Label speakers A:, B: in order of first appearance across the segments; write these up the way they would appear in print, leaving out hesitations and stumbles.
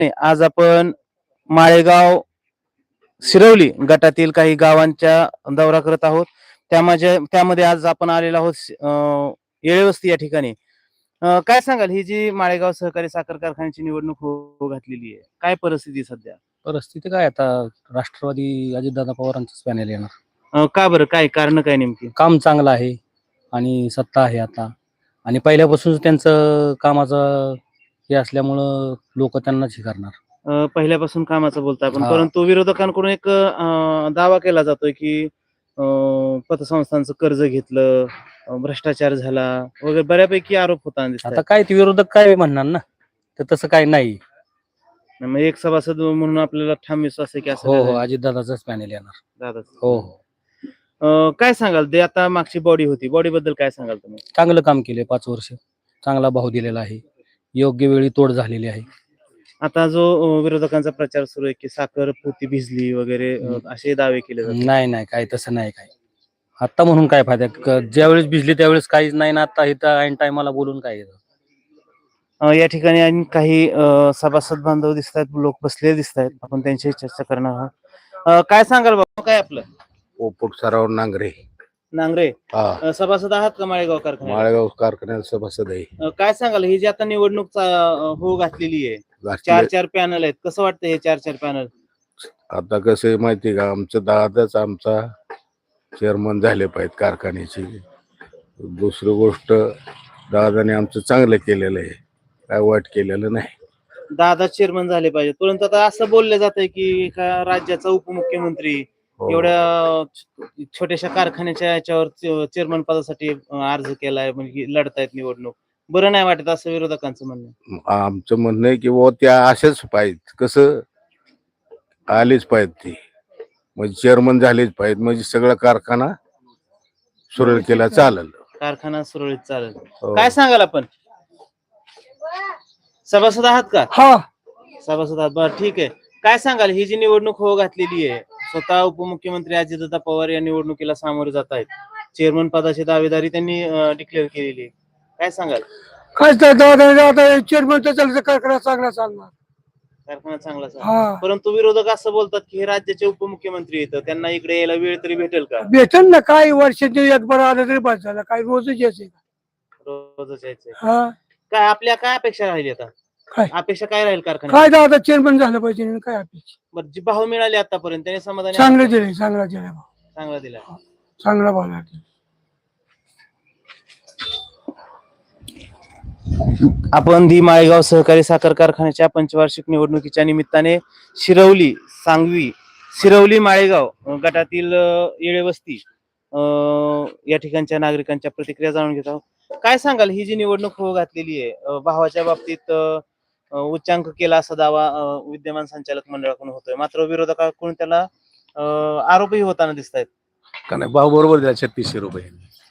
A: आज आपण माळेगाव शिरवली गटातील काही गावांच्या दौरा करत आहोत. त्यामध्ये आज आपण आलेलो आहोत येळेवस्ती या ठिकाणी. काय सांगाल ही जी माळेगाव सहकारी साखर कारखान्याची निवडणूक होऊ घातलेली आहे, काय परिस्थिती सध्या?
B: परिस्थिती काय आता राष्ट्रवादी अजितदादा पवारांचंच पॅनल येणार.
A: का बरं, काय कारण काय नेमकी?
B: काम चांगलं आहे आणि सत्ता आहे आता, आणि पहिल्यापासून त्यांचं कामाचं हे असल्यामुळं लोक त्यांनाच हे करणार.
A: पहिल्यापासून कामाचं बोलता आपण,
B: हा.
A: परंतु विरोधकांकडून एक दावा केला जातोय की पतसंस्थांचं कर्ज घेतलं, भ्रष्टाचार झाला वगैरे बऱ्यापैकी आरोप होता.
B: आता काय ते विरोधक काय म्हणणार ना, तर तसं काय नाही.
A: मग एक सभासद म्हणून आपल्याला ठाम विश्वास आहे की असं
B: हो
A: काय
B: हो,
A: झालं?
B: अजितदादाचाच पॅनल येणार.
A: दादाच.
B: हो हो,
A: काय सांगाल ते आता मागची बॉडी होती, बॉडी बद्दल काय सांगाल तुम्ही?
B: चांगलं काम केले 5 वर्ष, चांगला भाव दिलेला आहे, योग्य वेळी तोड झालेली आहे.
A: आता जो विरोधकांचा प्रचार सुरू आहे की साखर पोती भिजली वगैरे असे दावे केले जातात.
B: नाही नाही, काय तसं नाही. काय आता म्हणून काय फायदा, ज्यावेळेस भिजली त्यावेळेस काहीच नाही ना, आता इथं ऐन टायमाला बोलून काय येतं.
A: या ठिकाणी आणि काही सभासद बांधव दिसत आहेत, लोक बसलेले दिसत आहेत, आपण त्यांच्याशी चर्चा करणार आहोत. काय सांगाल बाबा, काय आपलं?
C: पोपट सराव नांगरे.
A: नांगरे,
C: हा,
A: सभासद आहात का माळेगाव कारखान्यात?
C: माळेगाव कारखान्यात सभासद आहे.
A: काय सांगाल ही जी आता निवडणूक होऊ घातलेली आहे, 4 पॅनल आहेत, कसं वाटतं हे 4 पॅनल?
C: आता कसं आहे माहिती का, आमचं दादाच आमचा चेअरमन झाले पाहिजेत कारखान्याची. दुसरी गोष्ट, दादाने आमचं चांगलं केलेलं आहे, काय वाईट केलेलं नाही.
A: दादा चेअरमन झाले पाहिजे, परंतु आता असं बोललं जातंय की एका राज्याचा उपमुख्यमंत्री
C: हो.
A: एवढ्या छोट्याशा कारखान्याच्या याच्यावर चेअरमन पदासाठी अर्ज केलाय, म्हणजे लढतायत निवडणूक. बरं नाही वाटत असं विरोधकांचं म्हणणं आहे.
C: आमचं म्हणणं आहे की वो त्या असेच पाहिजेत, कसं आलेच पाहिजेत ते, म्हणजे चेअरमन झालेच पाहिजेत, म्हणजे सगळा कारखाना सुरळीत केला चालेल.
A: कारखाना सुरळीत चालेल.
C: हो.
A: काय सांगाल आपण? सभासद आहात का?
D: हा,
A: सभासद आहात, बरं ठीक आहे. काय सांगाल ही जी निवडणूक होऊ घातलेली आहे, स्वतः उपमुख्यमंत्री अजितदादा पवार या निवडणुकीला सामोरे जात आहेत, चेअरमन पदाची दावेदारी त्यांनी डिक्लेअर केलेली आहे, काय सांगाल?
D: काय आता चेअरमनचा चालतं, कारखाना चांगला चालणार.
A: कारखाना चांगला चालेल.
D: हा,
A: परंतु विरोधक असं बोलतात की हे राज्याचे उपमुख्यमंत्री येतं, त्यांना इकडे यायला वेळ तरी भेटेल का?
D: भेटेल ना, काय वर्षाचे एक बरं आलं तरी बस झालं, काय रोजच यायचे.
A: रोजच यायचंय.
D: हा,
A: काय आपल्या काय अपेक्षा राहिली आता?
D: काय?
A: अपेक्षा काय राहील कारखान्यात?
D: काय दादा चेअरमन झालं पाहिजे आणि काय अपेक्षा.
A: बरं, जी भाव मिळाले आतापर्यंत त्याने समाधानी
D: चांगलं
A: आहात का?
D: दिले, चांगला दिला भाव,
A: चांगला दिला.
D: चांगला भाव लागला.
A: आपण दी माळेगाव सहकारी साखर कारखान्याच्या पंचवार्षिक निवडणुकीच्या निमित्ताने शिरवली माळेगाव गटातील येळेवस्ती या ठिकाणच्या नागरिकांच्या प्रतिक्रिया जाणून घेत आहोत. काय सांगाल ही जी निवडणूक होऊ घातलेली आहे, भावाच्या बाबतीत उच्चांक केला असा दावा विद्यमान संचालक मंडळाकडून होतोय, मात्र विरोधकाकडून त्याला आरोपही होताना दिसत आहेत.
C: का नाही, भाव बरोबर द्या, 3600 रुपये.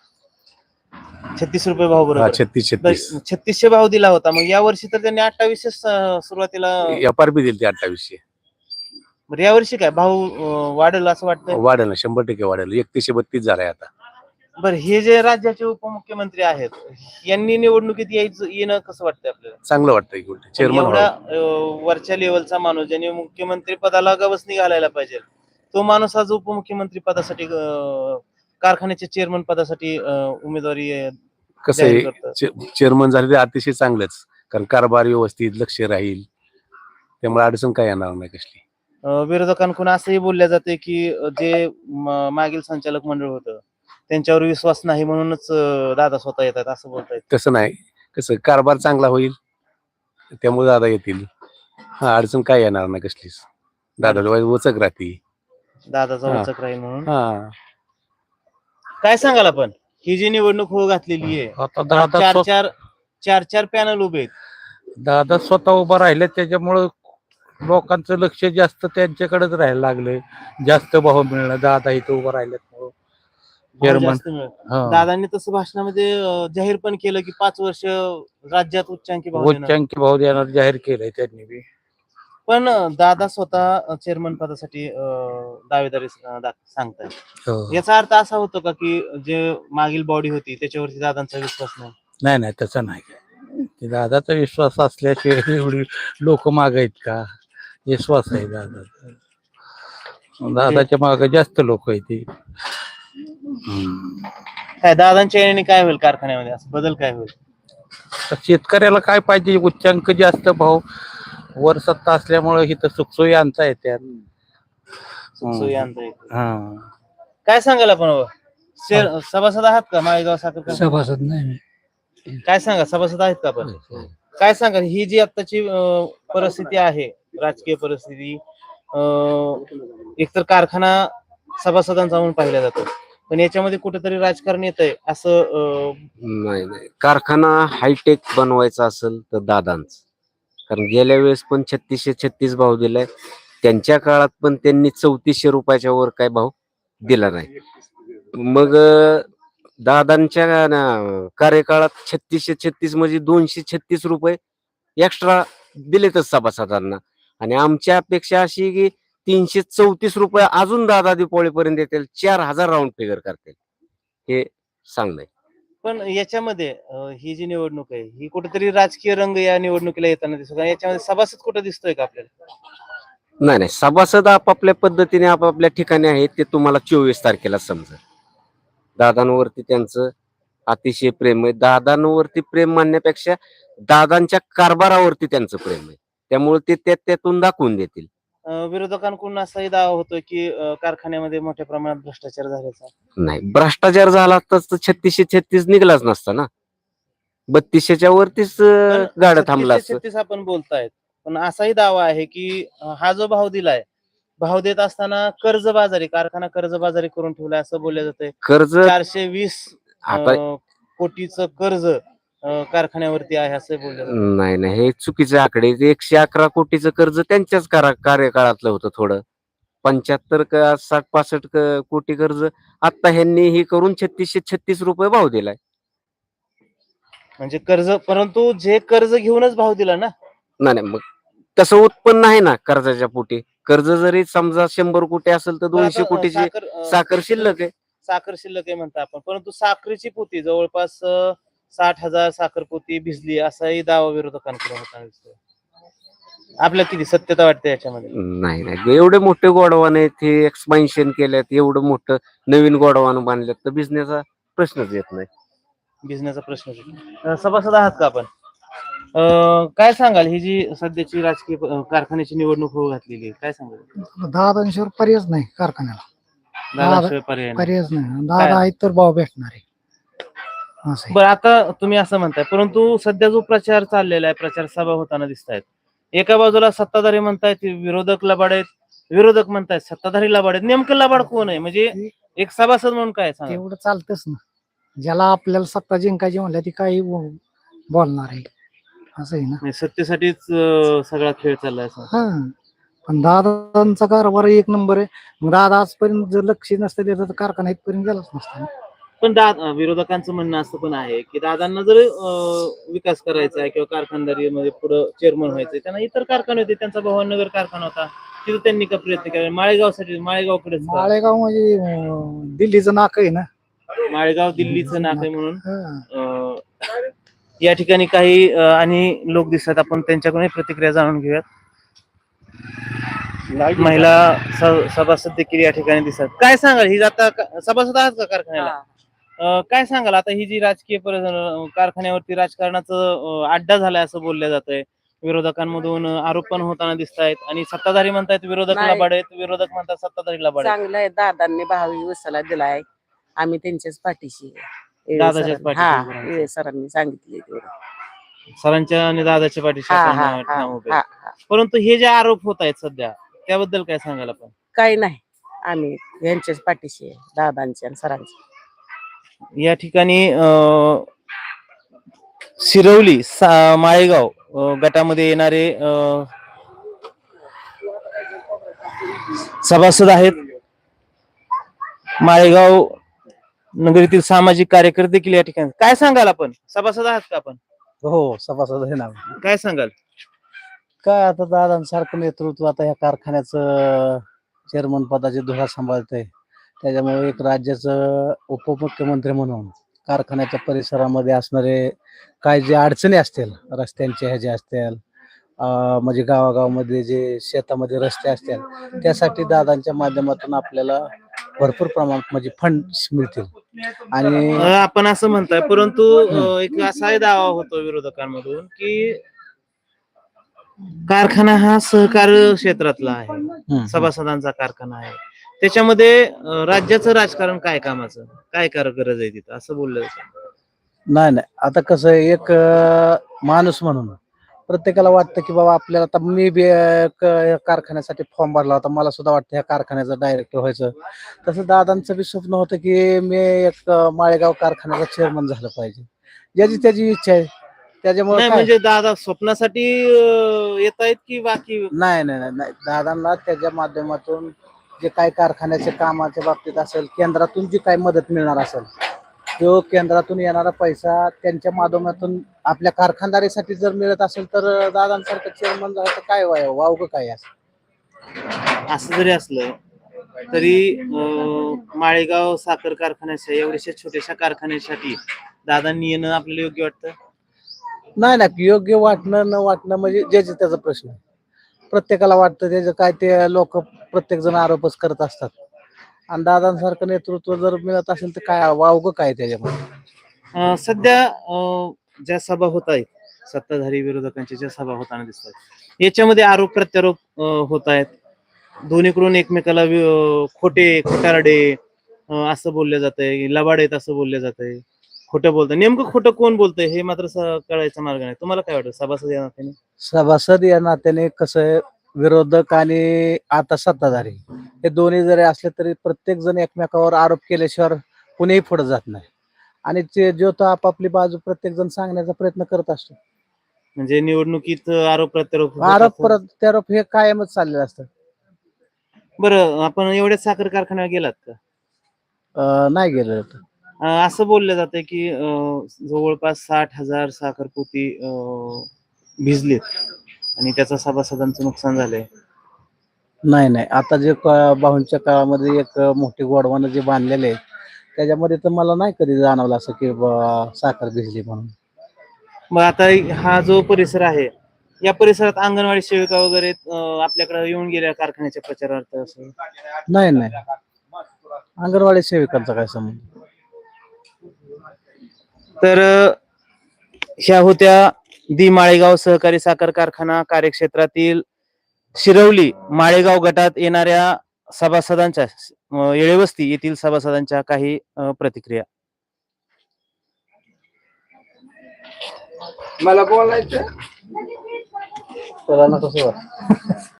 A: 36 रुपये भाव बरोबर.
C: 36
A: 3600 भाव दिला होता, मग या वर्षी तर त्यांनी 2800 सुरुवातीला.
C: FRP दिली, 2800.
A: बरं, या वर्षी काय भाव वाढेल असं वाटतं?
C: वाढेल ना, 100% वाढेल. 3132 झालाय आता.
A: बरं, हे जे राज्याचे उपमुख्यमंत्री आहेत यांनी निवडणुकीत येणं कसं वाटतंय आपल्याला?
C: चांगलं वाटतंय की चेअरमन
A: एवढा वरच्या लेवलचा माणूस ज्याने मुख्यमंत्री पदाला गवसणी घालायला पाहिजे, तो माणूस आज उपमुख्यमंत्री पदासाठी कारखान्याच्या चेअरमन पदासाठी उमेदवारी
C: कसं आहे, चेअरमन झाले ते अतिशय चांगलंच, कारण कारभार व्यवस्थित लक्ष राहील, त्यामुळे अडचण काय येणार नाही कसली.
A: विरोधकांकडून असंही बोलल्या जाते की जे मागील संचालक मंडळ होतं त्यांच्यावर विश्वास नाही म्हणूनच दादा स्वतः येतात असं बोलतायत.
C: तसं नाही, कसं कारभार चांगला होईल त्यामुळे दादा येतील. हा, अडचण काय येणार नाही कसलीच, दादा वचक राहते,
A: दादाचा वचक राहील म्हणून.
C: हा.
A: काय सांगाल आपण, ही जी निवडणूक होऊ घातलेली आहे,
B: आता
A: चार पॅनल उभे आहेत,
B: दादा स्वतः उभा राहिले, त्याच्यामुळं लोकांचं लक्ष जास्त त्यांच्याकडेच राहायला लागलंय. जास्त भाव मिळणं, दादा इथं उभं राहिल्यामुळं
A: भाव जास्त मिळेल. दादांनी तसं भाषणामध्ये जाहीर पण केलं की 5 वर्ष राज्यात उच्चांकी भाव देणार.
B: उच्चांकी भाव देणार जाहीर केलंय त्यांनी बी.
A: पण दादा स्वतः चेअरमन पदासाठी दावेदारी सांगतायत, याचा अर्थ असा होतो का की जे मागील बॉडी होती त्याच्यावरती दादांचा विश्वास नाही?
B: नाही नाही, तसं नाही.
E: ते दादाचा विश्वास असल्याशिवाय एवढी लोक माग आहेत का? विश्वास आहे दादाचा. दादाच्या मागे जास्त लोक आहेत ते.
A: काय दादांच्या येण्याने काय होईल कारखान्यामध्ये, असं बदल काय होईल?
E: तर शेतकऱ्याला काय पाहिजे? उच्चांक जास्त भाव, वर सत्ता असल्यामुळे इथं सुखसोयी आणता येत्या.
A: सुखसोयी आणता येईल.
E: हा.
A: काय सांगाल आपण बाबा? सभासद आहात का माळेगाव साखर कारखाना?
D: सभासद नाही.
A: काय सांगा, सभासद आहेत का आपण? काय सांगाल ही जी आताची परिस्थिती आहे, राजकीय परिस्थिती, एकतर कारखाना सभासदांचा म्हणून पाहिला जातो, पण याच्यामध्ये कुठेतरी राजकारण येत आहे असं
F: नाही नाही, कारखाना हायटेक बनवायचा असेल तर दादांच. कारण गेल्या वेळेस पण 3636 भाव दिलाय, त्यांच्या काळात पण त्यांनी 3400 रुपयाच्या वर काय भाव दिला नाही. मग दादांच्या कार्यकाळात 3636 म्हणजे 236 रुपये एक्स्ट्रा दिलेतच सभासदांना. आणि आमची अपेक्षा अशी की 334 रुपये अजून दादा दिवाळीपर्यंत येतील, 4000 राऊंड फिगर करतील, हे सांगणं.
A: पण याच्यामध्ये ही जी निवडणूक आहे ही कुठेतरी राजकीय रंग या निवडणुकीला येताना दिसतो. याच्यामध्ये सभासद कुठे दिसतोय का आपल्याला?
F: नाही नाही, सभासद आपापल्या पद्धतीने आपापल्या ठिकाणी आहेत, ते तुम्हाला 24 तारखेला समजेल. दादांवरती त्यांचं अतिशय प्रेम आहे. दादांवरती प्रेम मानण्यापेक्षा दादांच्या कारभारावरती त्यांचं प्रेम आहे, त्यामुळे ते त्यातून दाखवून देतील.
A: विरोधकांकडून असाही दावा होतोय की कारखान्यामध्ये मोठ्या प्रमाणात भ्रष्टाचार झाल्याचा.
F: नाही, भ्रष्टाचार झाला तर 3636 निघलाच नसता ना, 3200च्या वरतीच गाडं थांबला असतं.
A: 36 आपण बोलतायत, पण असाही दावा आहे की हा जो भाव दिलाय, भाव देत असताना कर्जबाजारी, कारखाना कर्जबाजारी करून ठेवलाय असं बोललं जातंय.
F: कर्ज
A: 420
F: आता
A: कोटीचं कर्ज कारखान्यावरती आहे असं बोललं जातंय.
F: नाही नाही, हे चुकीचे आकडे. 111 कोटीचं कर्ज त्यांच्याच कार्यकाळातलं होतं. थोडं 75 का 60-65 कोटी कर्ज आता ह्यांनी ही करून 3636 रुपये भाव दिलाय.
A: म्हणजे कर्ज, परंतु जे कर्ज घेऊनच भाव दिला ना.
F: नाही नाही, मग तसं उत्पन्न आहे ना कर्जाच्या पोटी. कर्ज जरी समजा 100 कोटी असेल तर 200 कोटीची साखर शिल्लक आहे.
A: साखर शिल्लक आहे म्हणता आपण, परंतु साखरेची पोती जवळपास 60,000 साखर पोती भिजली असाही दावा विरोधकांकडून होताना दिसतोय. आपल्याला किती सत्यता वाटते याच्यामध्ये?
F: नाही नाही, एवढे मोठे गोडवान आहेत, हे एक्सपान्शन केल्यात, एवढं मोठं नवीन गोडवान बांधल्यात, तर बिझनेसचा प्रश्नच येत नाही.
A: बिझनेसचा प्रश्न. सभासद आहात का आपण? काय सांगाल ही जी सध्याची राजकीय कारखान्याची निवडणूक होऊ घातलेली आहे, काय सांगाल?
D: 10-20 पर्यायच नाही कारखान्याला.
A: दादाशिवाय पर्याय नाही.
D: पर्यायच नाही. 10 आहेत तर भाव भेटणार आहे असं आहे.
A: बरं, आता तुम्ही असं म्हणताय, परंतु सध्या जो प्रचार चाललेला आहे, प्रचार सभा होताना दिसत आहेत, एका बाजूला सत्ताधारी म्हणतायत विरोधक लबाड आहेत, विरोधक म्हणतायत सत्ताधारी लबाड आहेत. नेमकं लबाड कोण आहे? म्हणजे एक सभासद म्हणून काय सांगा?
D: तेवढं चालतच ना. ज्याला आपल्याला सत्ता जिंकायची म्हणल्या ती काही बोलणार आहे असं आहे ना.
A: म्हणजे सत्तेसाठीच सगळा खेळ चाललाय असं.
D: हा, पण दादांचा कारभार एक नंबर आहे. मग दादा आजपर्यंत जर लक्ष नसतं दिलं तर कारखाना इथपर्यंत गेलाच नसता.
A: पण विरोधकांचं म्हणणं असं पण आहे की दादांना जर विकास करायचा आहे किंवा कारखानदारीमध्ये पुढे चेअरमन व्हायचंय, त्यांना इतर कारखाने होते, त्यांचा भवानीनगर कारखाना होता, तिथे त्यांनी का प्रयत्न केला? माळेगावसाठी, माळेगावकडेच का?
D: माळेगाव म्हणजे दिल्लीचं नाक आहे ना.
A: माळेगाव दिल्लीचं नाक आहे म्हणून या ठिकाणी काही आणि लोक दिसतात, आपण त्यांच्याकडून प्रतिक्रिया जाणून घेऊयात. महिला सभासद देखील या ठिकाणी दिसतात. काय सांगाल ही आता सभासद आहात का कारखान्याला? काय सांगाल आता ही जी राजकीय कारखान्यावरती राजकारणाचं अड्डा झालाय असं बोललं जात आहे, विरोधकांमधून आरोप पण होताना दिसत आहेत, आणि सत्ताधारी म्हणतायत विरोधक लबाड आहेत, विरोधक म्हणतात सत्ताधारी लबाड आहेत.
G: चांगलं आहे, दादांनी भावी उसाला दिलाय, आम्ही त्यांच्याच पाठीशी आहे.
A: दादाच्याच पाठीशी.
G: हा, सरांनी सांगितले
A: सरांच्या आणि दादाच्या पाठीशी आपण ठाम उभे आहेत. परंतु हे जे आरोप होत आहेत सध्या, त्याबद्दल काय सांगाल आपण?
G: काही नाही, आम्ही यांच्याच पाठीशी आहे, दादांच्या आणि सरांच्या.
A: या ठिकाणी शिरवली माळेगाव गटामध्ये येणारे सभासद आहेत. माळेगाव नगरीतील सामाजिक कार्यकर्ते देखील या ठिकाणी. काय सांगाल आपण? सभासद आहात का आपण?
B: हो, सभासद आहे ना.
A: काय सांगाल?
B: काय आता दादांसारखं नेतृत्व आता या कारखान्याचं चेअरमन पदाची धुरा सांभाळतंय, त्याच्यामुळे एक राज्याचं उपमुख्यमंत्री म्हणून कारखान्याच्या परिसरामध्ये असणारे काय जे अडचणी असतील रस्त्यांचे ह्याचे असतील म्हणजे गावागावामध्ये जे शेतामध्ये रस्ते असतील त्यासाठी दादांच्या माध्यमातून आपल्याला भरपूर प्रमाणात म्हणजे फंड्स मिळतील. आणि
A: आपण असं म्हणताय, परंतु एक असाही दावा होतो विरोधकांमधून की कारखाना हा सहकार क्षेत्रातला आहे, सभासदांचा कारखाना आहे, त्याच्यामध्ये राज्याचं राजकारण काय कामाचं, काय गरज आहे तिथं, असं बोललं जातं.
B: नाही नाही, आता कसं आहे, एक माणूस म्हणून प्रत्येकाला वाटतं की बाबा आपल्याला, आता मी बी कारखान्यासाठी फॉर्म भरला होता, मला सुद्धा वाटतं ह्या कारखान्याचं डायरेक्टर व्हायचं. तसं दादांचं बी स्वप्न होतं की मी एक माळेगाव कारखान्याचा चेअरमन झालं पाहिजे. ज्याची त्याची इच्छा आहे, त्याच्यामुळे
A: नाही
B: काय
A: म्हणजे दादा स्वप्नासाठी येत आहेत की बाकी?
B: नाही नाही नाही नाही, दादांना त्याच्या माध्यमातून जे काही कारखान्याच्या कामाच्या बाबतीत असेल, केंद्रातून जी काही मदत मिळणार असेल, तो केंद्रातून येणारा पैसा त्यांच्या माध्यमातून आपल्या कारखानदारीसाठी जर मिळत असेल तर दादांसारखं चेअरमन झालं तर काय वावगं काय असं.
A: असं जरी असलं तरी माळेगाव साखर कारखान्याच्या एवढ्याशा छोट्याशा कारखान्यासाठी दादांनी येणं आपल्याला योग्य वाटतं?
B: नाही नाही, योग्य वाटणं न वाटणं म्हणजे ज्याचे त्याचा प्रश्न आहे. प्रत्येकाला वाटतं त्याचं काय, ते लोक प्रत्येक जण आरोपच करत असतात. आणि दादांसारखं नेतृत्व जर मिळत असेल तर काय वावगं काय त्याच्यामध्ये.
A: सध्या ज्या सभा होत आहेत, सत्ताधारी विरोधकांच्या ज्या सभा होताना दिसतात, याच्यामध्ये आरोप प्रत्यारोप होत आहेत. दोन्हीकडून एकमेकाला खोटारडे असं बोललं जातंय, लबाड आहेत असं बोललं जातंय, खोटं बोलतंय. नेमकं खोटं कोण बोलतंय हे मात्र कळायचा मार्ग नाही. तुम्हाला काय वाटतं सभासद या नात्याने?
B: सभासद या नात्याने कसं आहे, विरोधक आणि आता सत्ताधारी हे दोन्ही जरी असले तरी प्रत्येक जण एकमेकावर आरोप केल्याशिवाय कुणीही पुढे जात नाही. आणि ते जो तो आपापली बाजू प्रत्येक जण सांगण्याचा प्रयत्न करत असतो.
A: म्हणजे निवडणुकीत आरोप प्रत्यारोप होत
B: आरोप
A: असतात.
B: प्रत्यारोप हे कायमच चाललेलं असतं.
A: बरं, आपण एवढ्याच साखर कारखान्यावर गेलात का?
B: नाही गेलं होतं.
A: असं बोललं जातंय की जवळपास 60,000 साखर पोती भिजलेत आणि त्याचा सभासदांचं नुकसान झालंय.
B: नाही नाही, आता जे बाहूंच्या काळामध्ये एक मोठी गोडवानं जे बांधलेले आहे त्याच्यामध्ये तर मला नाही कधी जाणवलं असं की साखर भिजली म्हणून.
A: मग आता हा जो परिसर आहे, या परिसरात अंगणवाडी सेविका वगैरे आपल्याकडे येऊन गेल्या कारखान्याच्या प्रचारार्थ असं?
B: नाही नाही, अंगणवाडी सेविकांचा काय संबंध.
A: तर ह्या होत्या माळेगाव सहकारी साखर कारखाना कार्यक्षेत्रातील शिरवली माळेगाव गटात येणाऱ्या सभासदांच्या येळेवस्ती येथील सभासदांच्या काही प्रतिक्रिया.
C: मला बोलायचं
B: त्याला कसं